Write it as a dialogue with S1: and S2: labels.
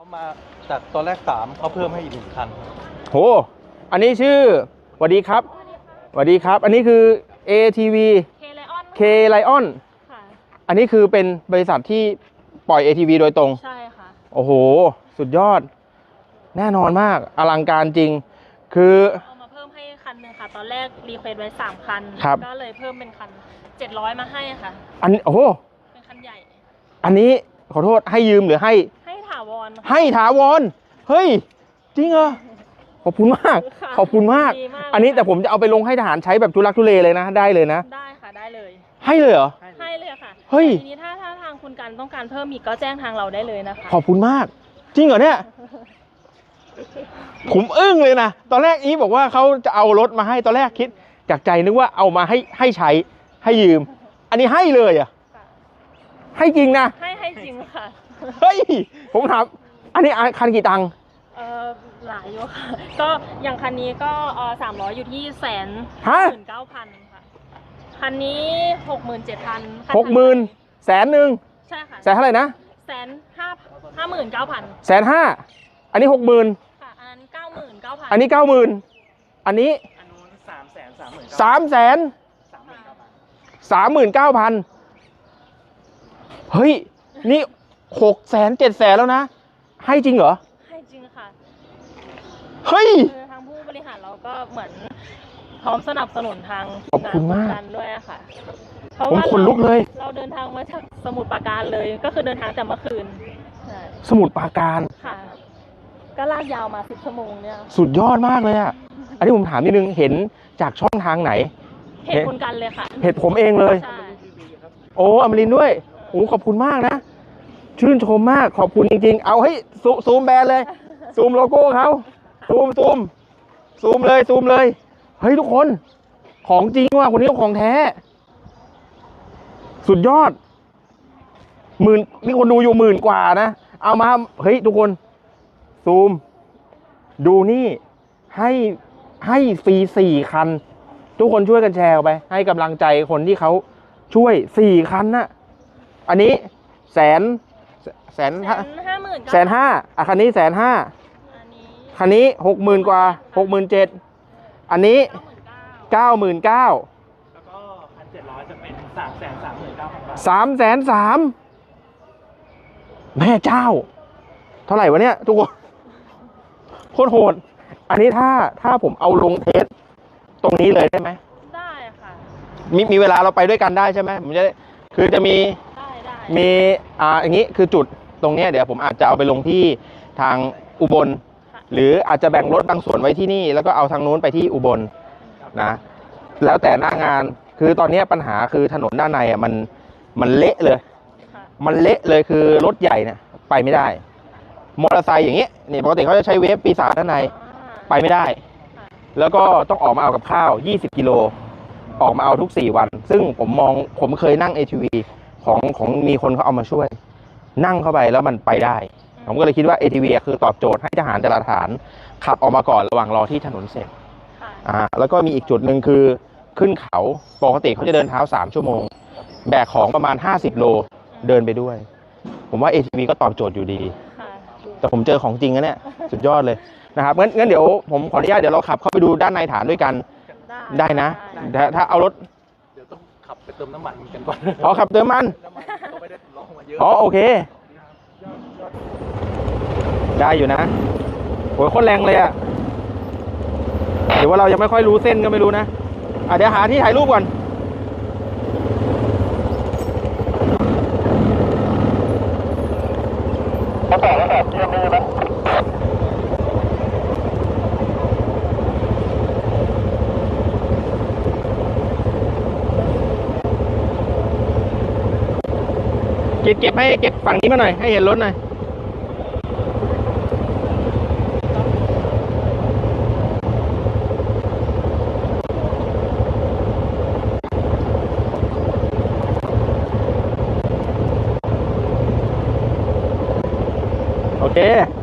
S1: มาจากตอนแรก3เขาเพิ่มให้อีก1 คัน
S2: โหอันนี้ชื่อสวัสดีครับสวัสดีครับอันนี้คือ ATV K Lion
S3: ค่ะ
S2: อันนี้คือเป็นบริษัทที่ปล่อย ATV โดยตรง
S3: ใช่ค่ะ
S2: โอ้โหสุดยอดแน่นอนมากอลังการจริงคือ
S3: เอามาเพิ่มให้คันหนึ่งค่ะตอนแรกรีเควสไว้3 คันก็เลยเพิ่มเป็นคัน700มาให้ค่ะ
S2: อันโอ้โห
S3: เป็นคันใหญ่
S2: อันนี้ขอโทษให้ยืมหรือให้
S3: ถาวร
S2: ให้ถาวรเฮ้ยจริงเหรอขอบคุณมากขอบคุณมากอันนี้แต่ผมจะเอาไปลงให้ทหารใช้แบบทุลักทุเลเลยนะได้เลยนะ
S3: ได้ค่ะได้เลย
S2: ให้เลยเหรอ
S3: ให้เลยค่ะ
S2: เฮ้ย
S3: ทีนี้ถ้าทางคุณกันต้องการเพิ่มอีกก็แจ้งทางเราได้เลยนะคะ
S2: ขอบคุณมากจริงเหรอเนี่ยผมอึ้งเลยนะตอนแรกอีบอกว่าเขาจะเอารถมาให้ตอนแรกคิดจากใจนึกว่าเอามาให้ใช้ให้ยืมอันนี้ให้เลยอ่ะให้จริงนะ
S3: ให้จริงค่ะ
S2: เฮ้ยผมถามอันนี้คันกี่ตังค์
S3: หลายอยู่ค่ะก็อย่างคันนี้ก็300อยู่ที่119,000ค่ะคันนี้67,000
S2: 60,000แสนหนึ่ง
S3: ใช่ค่ะ
S2: แสนเท่าไหร่นะ
S3: 159,000
S2: 150,000อันนี้60,000
S3: ค่ะอันนั้น99,000
S2: อันนี้90,000อันนี้339,000เฮ้ยนี่600,000 700,000แล้วนะให้จริงเหรอ
S3: ให้จริงค่ะ
S2: เฮ้ย
S3: ทางผู้บริหารเราก็เหมือนพร้อมสนับสนุนทาง
S2: ขอบคุณมาก
S3: ด้วยค่ะ
S2: ผมขนลุกเลย
S3: เราเดินทางมาจากสมุทรปราการเลยก็คือเดินทางแต่เมื่อคืน
S2: สมุทรปราการ
S3: ค่ะก็ลากยาวมา10 ชั่วโมงเนี่ย
S2: สุดยอดมากเลยอ่ะอันนี้ผมถามนิดนึงเห็นจากช่องทางไหน
S3: เพจคุณกันเลยค่ะ
S2: เพจผมเองเลยโอ้อมรินด้วยโอ้ขอบคุณมากนะชื่นชมมากขอบคุณจริงๆเอาให้ซูมแบรนด์เลยซูมโลโก้เขาซูมเลยเฮ้ยทุกคนของจริงว่ะคนนี้ของแท้สุดยอดนี่คนดูอยู่10,000 กว่านะเอามาเฮ้ยทุกคนซูมดูนี่ให้ฟรี4 คันทุกคนช่วยกันแชร์ไปให้กำลังใจคนที่เขาช่วย4 คันนะอันนี้150,000อ่ะคันนี้150,000คันนี้60,000 กว่า67,000อันนี้99,000
S1: แล้วก็1,700จะเป็น
S2: 330,000 แม่เจ้าเท่าไหร่วะเนี่ยทุกคนโคตรโหดอันนี้ถ้าผมเอาลงเทสตรงนี้เลยได้ไหม
S3: ได้ค่ะ
S2: มีเวลาเราไปด้วยกันได้ใช่ไหมผมจะคือจะมีอย่างนี้คือจุดตรงนี้เดี๋ยวผมอาจจะเอาไปลงที่ทางอุบลหรืออาจจะแบ่งรถบางส่วนไว้ที่นี่แล้วก็เอาทางนู้นไปที่อุบลนะแล้วแต่หน้างานคือตอนนี้ปัญหาคือถนนด้านในอ่ะมันเละเลยมันเละเลยคือรถใหญ่เนี่ยไปไม่ได้มอเตอร์ไซค์อย่างนี้นี่ปกติเขาจะใช้เวฟปีศาจด้านในไปไม่ได้แล้วก็ต้องออกมาเอากับข้าว20 กิโลออกมาเอาทุก4 วันซึ่งผมเคยนั่ง ATV ของมีคนเขาเอามาช่วยนั่งเข้าไปแล้วมันไปได้ผมก็เลยคิดว่า ATV คือตอบโจทย์ให้ทหารแต่ละฐานขับออกมาก่อนระหว่างรอที่ถนนเสร็จแล้วก็มีอีกจุดหนึ่งคือขึ้นเขาปกติเขาจะเดินเท้า3 ชั่วโมงแบกของประมาณ50 โลเดินไปด้วยผมว่า ATV ก็ตอบโจทย์อยู่ดีแต่ผมเจอของจริงนะเนี่ยสุดยอดเลยนะครับงั้นเดี๋ยวผมขออนุญาตเดี๋ยวเราขับเข้าไปดูด้านในฐานด้วยกันได้นะถ้าเอารถ
S1: เดี๋ยวต้องขับไปเติมน้ำมันกันก่อน
S2: ขับเติมมันโอเคได้อยู่นะโหโคตรแรงเลยอ่ะเดี๋ยวว่าเรายังไม่ค่อยรู้เส้นก็ไม่รู้นะเดี๋ยวหาที่ถ่ายรูปก่อนแล้วแต่เชื่อมือนะเก็บให้เก็บฝั่งนี้มาหน่อยให้เห็นรถหน่อยโอเค